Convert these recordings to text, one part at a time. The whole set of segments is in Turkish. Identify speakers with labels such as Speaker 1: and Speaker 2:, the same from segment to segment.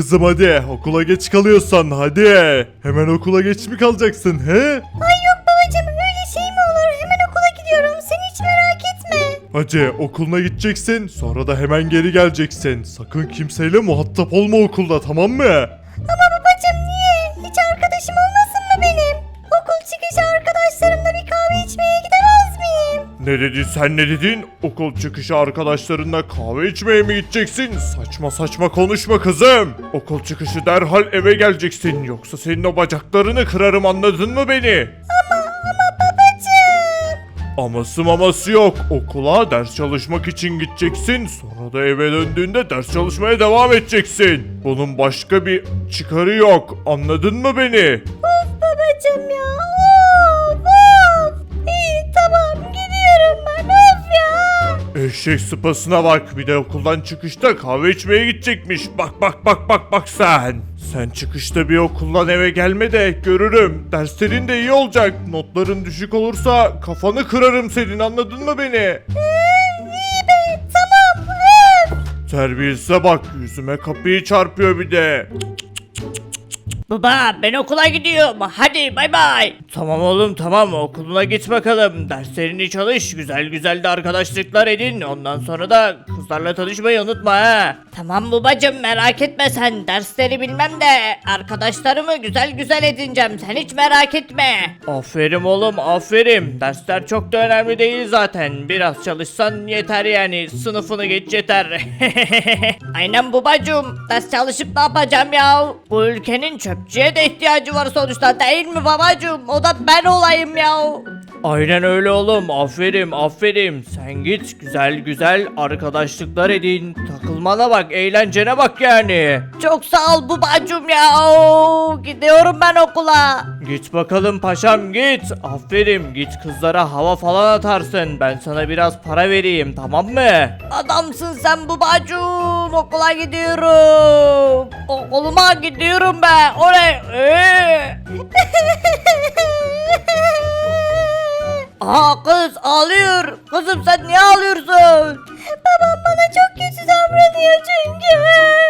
Speaker 1: kızım hadi okula geç kalıyorsan hadi. Hemen okula geç mi kalacaksın he?
Speaker 2: Ay yok babacım öyle şey mi olur? Hemen okula gidiyorum. Sen hiç merak etme.
Speaker 1: Hadi okuluna gideceksin sonra da hemen geri geleceksin. Sakın kimseyle muhatap olma okulda tamam mı?
Speaker 2: Ama babacım niye? Hiç arkadaşım olmasın mı benim? Okul çıkışı arkadaşlarımla bir kahve içmeye gidemez miyim?
Speaker 1: Ne dedin sen ne dedin? Okul çıkışı arkadaşlarınla kahve içmeye mi gideceksin? Saçma saçma konuşma kızım. Okul çıkışı derhal eve geleceksin. Yoksa senin o bacaklarını kırarım anladın mı beni?
Speaker 2: Ama babacım.
Speaker 1: Aması maması yok. Okula ders çalışmak için gideceksin. Sonra da eve döndüğünde ders çalışmaya devam edeceksin. Bunun başka bir çıkarı yok. Anladın mı beni?
Speaker 2: Of babacım ya. Of. İyi tamam gidiyorum ben. Of ya.
Speaker 1: Eşek sıpasına bak. Bir de okuldan çıkışta kahve içmeye gidecekmiş. Bak sen. Sen çıkışta bir okuldan eve gelme de görürüm. Derslerin de iyi olacak. Notların düşük olursa kafanı kırarım senin anladın mı beni?
Speaker 2: İyi be tamam. Öf.
Speaker 1: Terbiyesize bak yüzüme kapıyı çarpıyor bir de.
Speaker 3: Baba ben okula gidiyorum. Hadi bay bay. Tamam oğlum tamam okuluna git bakalım. Derslerini çalış. Güzel güzel de arkadaşlıklar edin. Ondan sonra da kızlarla tanışmayı unutma ha. Tamam babacım merak etme sen. Dersleri bilmem de arkadaşlarımı güzel güzel edineceğim. Sen hiç merak etme. Aferin oğlum aferin. Dersler çok da önemli değil zaten. Biraz çalışsan yeter yani. Sınıfını geç yeter. Aynen babacım. Ders çalışıp ne yapacağım ya? Bu ülkenin çöpçüye de ihtiyacı var sonuçta değil mi babacım? O da ben olayım ya. Aynen öyle oğlum. Aferin aferin. Sen git güzel güzel arkadaşlıklar edin. Takılmana bak eğlencene bak yani. Çok sağ ol babacım ya. Gidiyorum ben okula. Git bakalım paşam git. Aferin git kızlara hava falan atarsın. Ben sana biraz para vereyim tamam mı? Adamsın sen babacım. Okula gidiyorum. Okuluma gidiyorum ben. Oraya. Aa kız ağlıyor. Kızım sen niye ağlıyorsun?
Speaker 2: Babam bana çok kötü davranıyor çünkü.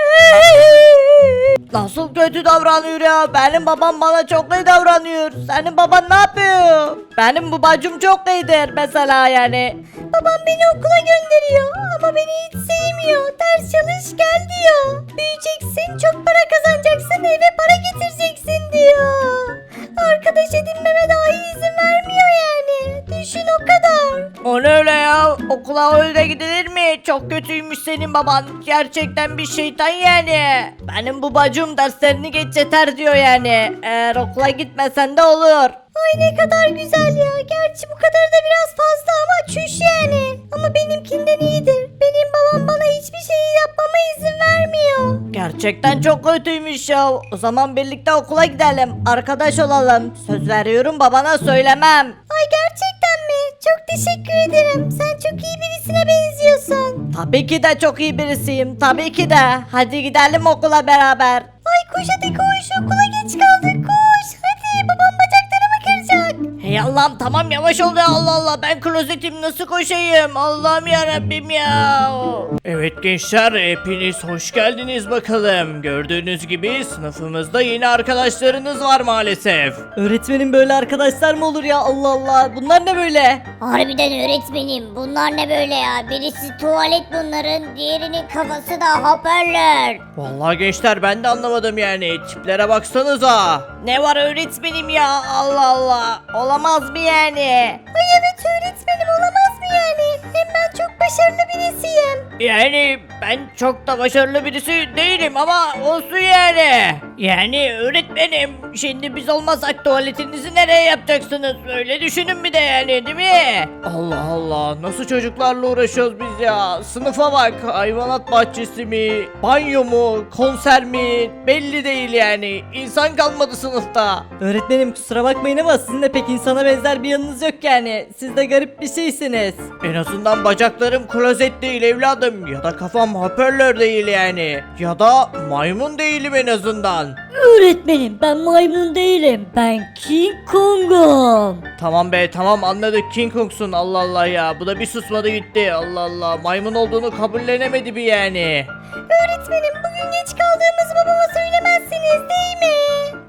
Speaker 3: Nasıl kötü davranıyor ya? Benim babam bana çok iyi davranıyor. Senin baban ne yapıyor? Benim babacım çok iyidir mesela yani.
Speaker 2: Babam beni okula gönderiyor ama beni hiç sevmiyor. Ders çalış gel diyor. Büyüyeceksin, çok para kazanacaksın, eve para getireceksin diyor. Arkadaş edinmeme dahi izin vermiyor yani. Düşün o kadar.
Speaker 3: O ne öyle ya? Okula öyle gidilir mi? Çok kötüymüş senin baban. Gerçekten bir şeytan yani. Benim babacım derslerini geç yeter diyor yani. Eğer okula gitmesen de olur.
Speaker 2: Ay ne kadar güzel ya. Gerçi bu kadar da biraz fazla ama çüş yani. Ama benimkinden iyidir. Benim babam bana hiçbir şeyi yapmama izin vermiyor.
Speaker 3: Gerçekten çok kötüymüş ya. O zaman birlikte okula gidelim. Arkadaş olalım. Söz veriyorum babana söylemem.
Speaker 2: Ay gerçekten mi? Çok teşekkür ederim. Sen çok iyi birisine benziyorsun.
Speaker 3: Tabii ki de çok iyi birisiyim. Tabii ki de. Hadi gidelim okula beraber.
Speaker 2: Ay koş hadi koş. Okula geç kaldık koş. Hadi babam bacaklarımı kıracak.
Speaker 3: Hey Allah'ım tamam yavaş ol ya Allah Allah ben klozetim nasıl koşayım Allah'ım yarabbim ya. Evet gençler hepiniz hoş geldiniz bakalım. Gördüğünüz gibi sınıfımızda yeni arkadaşlarınız var maalesef. Öğretmenim böyle arkadaşlar mı olur ya Allah Allah bunlar ne böyle?
Speaker 4: Harbiden öğretmenim bunlar ne böyle ya? Birisi tuvalet bunların, diğerinin kafası da hoparlör.
Speaker 3: Vallahi gençler ben de anlamadım yani tiplere baksanıza. Ne var öğretmenim ya Allah Allah olamaz mı yani?
Speaker 2: Ay evet öğretmenim olamaz mı yani? Hem ben çok başarılı birisiyim.
Speaker 3: Yani ben çok da başarılı birisi değilim ama olsun yani. Yani öğretmenim şimdi biz olmasak tuvaletinizi nereye yapacaksınız? Öyle düşünün bir de yani değil mi? Allah Allah nasıl çocuklarla uğraşıyoruz biz ya? Sınıfa bak hayvanat bahçesi mi? Banyo mu? Konser mi? Belli değil yani. İnsan kalmadı sınıfta.
Speaker 5: Öğretmenim kusura bakmayın ama sizin de pek insana benzer bir yanınız yok yani. Siz de garip bir şeysiniz.
Speaker 3: En azından bacaklarım klozet değil evladım ya da kafam hoparlör değil yani ya da maymun değilim en azından.
Speaker 4: Öğretmenim ben maymun değilim. Ben King Kong'um.
Speaker 3: Tamam be tamam anladık King Kong'sun Allah Allah ya bu da bir susmadı gitti Allah Allah maymun olduğunu kabullenemedi bir yani.
Speaker 2: Öğretmenim bugün geç kaldığımız babama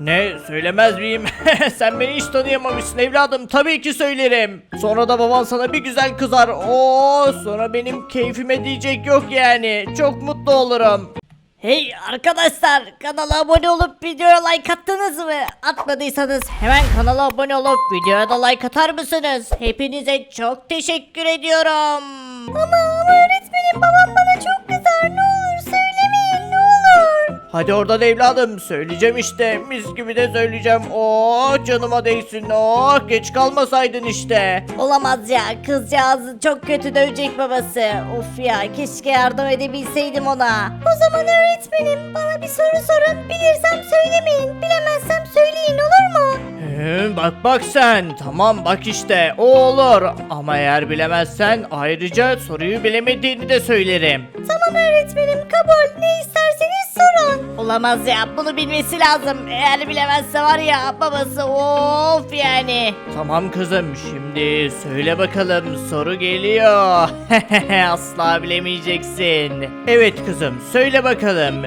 Speaker 3: Ne, söylemez miyim? Sen beni hiç tanıyamamışsın evladım, tabii ki söylerim. Sonra da baban sana bir güzel kızar. Oo, sonra benim keyfime diyecek yok yani. Çok mutlu olurum.
Speaker 2: Hey arkadaşlar, kanala abone olup videoya like attınız mı? Atmadıysanız hemen kanala abone olup videoya da like atar mısınız? Hepinize çok teşekkür ediyorum. Ama öğretmenim, babam bana çok kızar, ne olur söylemeyin, ne olur.
Speaker 3: Hadi oradan evladım, söyleyeceğim işte, mis gibi de söyleyeceğim. Oh, canıma değsin. Oh, geç kalmasaydın işte.
Speaker 2: Olamaz ya, kızcağızı çok kötü dövecek babası. Of ya, keşke yardım edebilseydim ona. O zaman öğretmenim, bana bir soru sorun, bilirsem söylemeyin, bilemezsem söyleyin, olur mu?
Speaker 3: Bak sen, tamam bak işte o olur, ama eğer bilemezsen ayrıca soruyu bilemediğini de söylerim.
Speaker 2: Tamam öğretmenim, kabul, ne isterseniz sorun. Olamaz ya, bunu bilmesi lazım. Eğer bilemezse var ya, babası of yani.
Speaker 3: Tamam kızım, şimdi söyle bakalım, soru geliyor. Asla bilemeyeceksin. Evet kızım, söyle bakalım.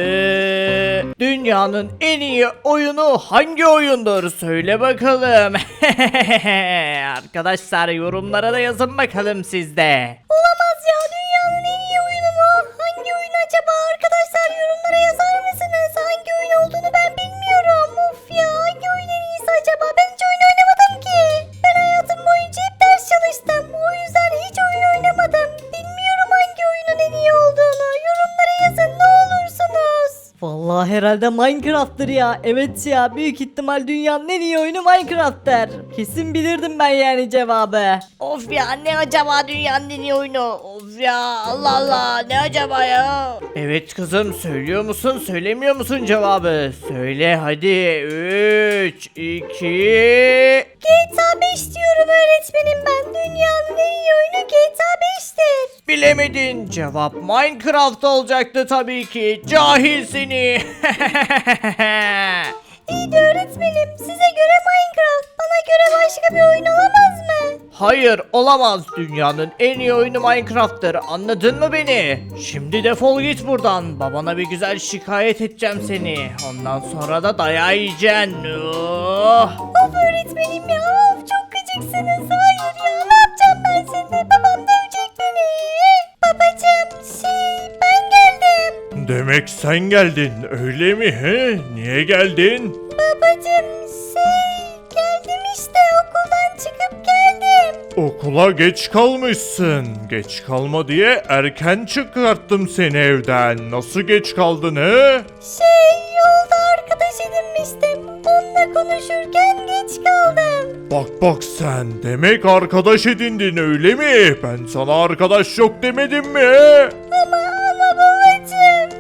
Speaker 3: Dünyanın en iyi oyunu hangi oyundur? Söyle bakalım. Arkadaşlar, yorumlara da yazın bakalım sizde.
Speaker 2: Olamaz ya, dünyanın en iyi oyunu mu? Hangi oyun acaba? Arkadaşlar yorumlara yazar mısınız? Hangi oyun olduğunu ben bilmiyorum. Of ya, hangi oyun en iyisi acaba? Ben hiç oyun oynamadım ki. Ben hayatım boyunca hep ders çalıştım. O yüzden hiç oyun oynamadım. Bilmiyorum hangi oyunun en iyi olduğunu. Yorumlara yazın ne olursunuz.
Speaker 5: Vallahi herhalde Minecraft'tır ya. Evet ya, büyük ihtimal dünyanın en iyi oyunu Minecraft'tır. Kesin bilirdim ben yani cevabı.
Speaker 2: Of ya, ne acaba dünyanın en iyi oyunu? Of ya, Allah Allah, ne acaba ya?
Speaker 3: Evet kızım, söylüyor musun söylemiyor musun cevabı? Söyle hadi. 3, 2...
Speaker 2: GTA 5 diyorum öğretmenim ben. Dünyanın en iyi oyunu GTA 5'tir.
Speaker 3: Bilemedin. Cevap Minecraft olacaktı tabii ki. Cahil seni.
Speaker 2: İyi de öğretmenim, size göre Minecraft, bana göre başka bir oyun olamaz mı?
Speaker 3: Hayır, olamaz. Dünyanın en iyi oyunu Minecraft'tır. Anladın mı beni? Şimdi defol git buradan. Babana bir güzel şikayet edeceğim seni. Ondan sonra da dayağı yiyeceksin. Oh.
Speaker 2: Of öğretmenim ya, of çok gıcıksınız. Hayır ya, ne yapacağım ben şimdi? Babam dövecek beni. Babacım, ben geldim.
Speaker 1: Demek sen geldin öyle mi he? Niye geldin?
Speaker 2: Babacım, geldim işte, okuldan çıkıp geldim.
Speaker 1: Okula geç kalmışsın. Geç kalma diye erken çıkarttım seni evden. Nasıl geç kaldın he?
Speaker 2: Yolda arkadaş edinmiştim. Onunla konuşurken geç kaldım.
Speaker 1: Bak sen demek arkadaş edindin öyle mi? Ben sana arkadaş yok demedim mi he?
Speaker 2: Ama babacım,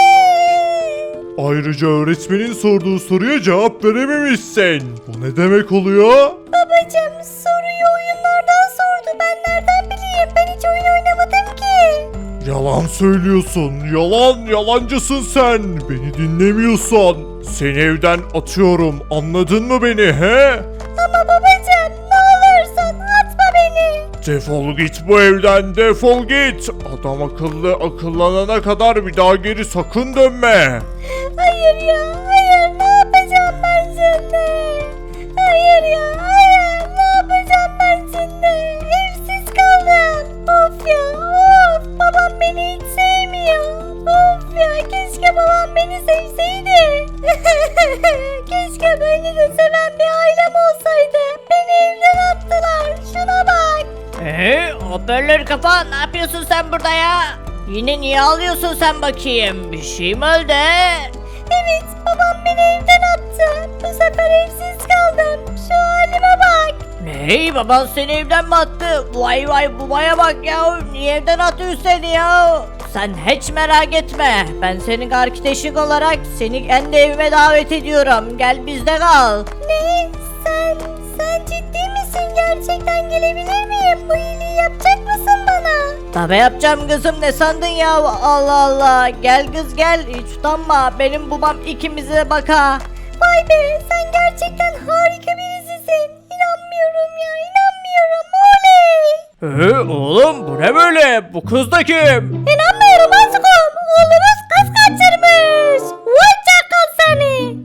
Speaker 1: Ayrıca öğretmenin sorduğu soruya cevap verememişsin. Bu ne demek oluyor?
Speaker 2: Babacım, soruyu oyunlardan sordu. Ben nereden bileyim? Ben hiç oyun oynamadım ki.
Speaker 1: Yalan söylüyorsun. Yalancısın sen. Beni dinlemiyorsan seni evden atıyorum. Anladın mı beni he?
Speaker 2: Ama babacım, ne olursun atma beni.
Speaker 1: Defol git bu evden, defol git. Adam akıllanana kadar bir daha geri sakın dönme.
Speaker 2: Hayır ya, hayır, ne yapacağım ben şimdi? Hayır ya, hayır, ne yapacağım ben şimdi? Evsiz kaldım. Of ya, of, babam beni hiç sevmiyor. Of ya, keşke babam beni sevseydi. Keşke beni de seven bir ailem olsaydı. Beni evden attılar, şuna bak.
Speaker 3: Hoparlör kafa, ne yapıyorsun sen burada ya? Yine niye ağlıyorsun sen bakayım? Bir şey mi oldu?
Speaker 2: Evet, babam beni evden attı. Bu sefer evsiz kaldım. Şu halime bak.
Speaker 3: Ney, baban seni evden mi attı? Vay babaya bak ya, niye evden atıyor seni ya? Sen hiç merak etme, ben senin arkadaşın olarak seni kendi evime davet ediyorum, gel bizde kal.
Speaker 2: Ne? Sen ciddi misin? Gerçekten gelebilir miyim? Bu iyiliği yapacak mısın bana?
Speaker 3: Tabi yapacağım kızım, ne sandın ya? Allah Allah, gel kız gel, hiç utanma, benim babam ikimize de baka.
Speaker 2: Vay be, sen gerçekten harika birisisin. İnanmıyorum ya, inanmıyorum. Oley!
Speaker 3: Oğlum bu ne böyle? Bu kız da kim?
Speaker 2: İnanmıyorum aşkım. Oğlumuz kız kaçırmış. Vay çakal seni.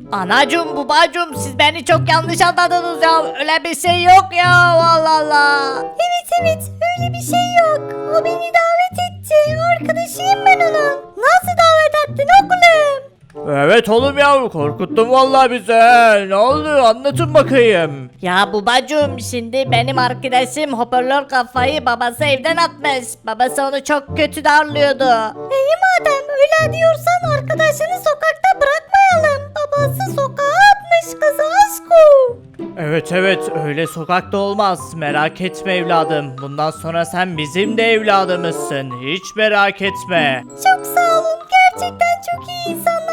Speaker 3: Anacım babacım siz beni çok yanlış anladınız ya. Öyle bir şey yok ya Allah Allah.
Speaker 2: Evet öyle bir şey yok. O beni davet etti. Arkadaşıyım ben onun. Nasıl davet ettin oğlum?
Speaker 3: Evet oğlum ya korkuttun vallahi bizi. Ne oldu anlatın bakayım. Ya babacım şimdi benim arkadaşım hoparlör kafayı babası evden atmış. Babası onu çok kötü darlıyordu.
Speaker 2: İyi madem öyle diyorsan arkadaşını sokakta bırakmayalım. Babası sokağa atmış kızı aşkım.
Speaker 3: Evet öyle sokakta olmaz merak etme evladım. Bundan sonra sen bizim de evladımızsın hiç merak etme.
Speaker 2: Çok sağ olun. Gerçekten çok iyi insanlarsınız.